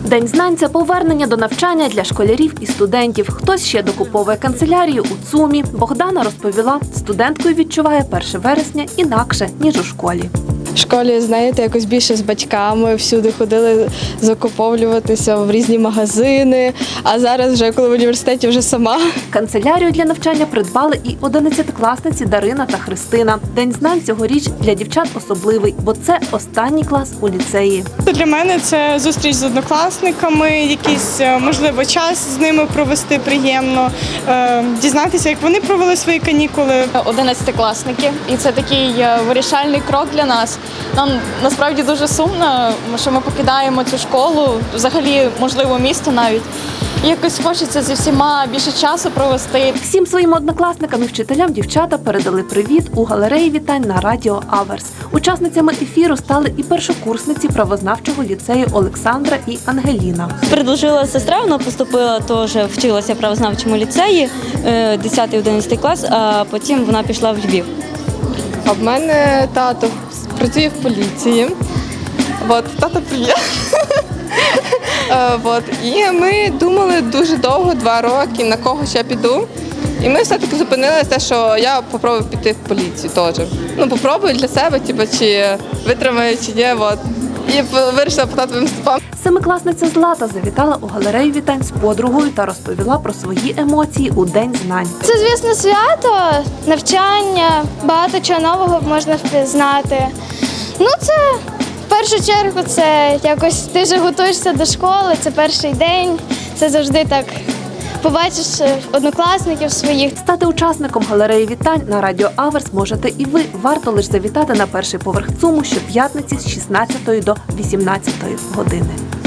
День знань – це повернення до навчання для школярів і студентів. Хтось ще докуповує канцелярію у ЦУМі. Богдана розповіла, студенткою відчуває 1 вересня інакше, ніж у школі. В школі, знаєте, якось більше з батьками, всюди ходили закуповуватися в різні магазини, а зараз вже, коли в університеті, вже сама. Канцелярію для навчання придбали і 11-класниці Дарина та Христина. День знань цьогоріч для дівчат особливий, бо це останній клас у ліцеї. Для мене це зустріч з однокласниками, якийсь, можливо, час з ними провести приємно, дізнатися, як вони провели свої канікули. 11-класники, і це такий вирішальний крок для нас. Нам насправді дуже сумно, що ми покидаємо цю школу, взагалі, можливо, місто навіть. І якось хочеться зі всіма більше часу провести. Всім своїм однокласникам і вчителям дівчата передали привіт у галереї вітань на радіо Аверс. Учасницями ефіру стали і першокурсниці правознавчого ліцею Олександра і Ангеліна. Предложила сестра, вона поступила, теж вчилася в правознавчому ліцеї, 10-11 клас, а потім вона пішла в Львів. А в мене тато працює в поліції. Тато привіт. І ми думали дуже довго, 2 роки, на кого ще піду. І ми все-таки зупинилися, що я попробую піти в поліцію теж. Попробую для себе, чи витримаю, чи ні. І вирішила по татовим стопам. Семикласниця Злата завітала у галерею вітань з подругою та розповіла про свої емоції у День знань. Це, звісно, свято, навчання, багато чого нового можна впізнати. Це в першу чергу це якось ти вже готуєшся до школи, це перший день, це завжди так. Побачиш однокласників своїх. Стати учасником галереї вітань на радіо Аверс можете і ви. Варто лише завітати на перший поверх ЦУМу щоп'ятниці з 16 до 18 години.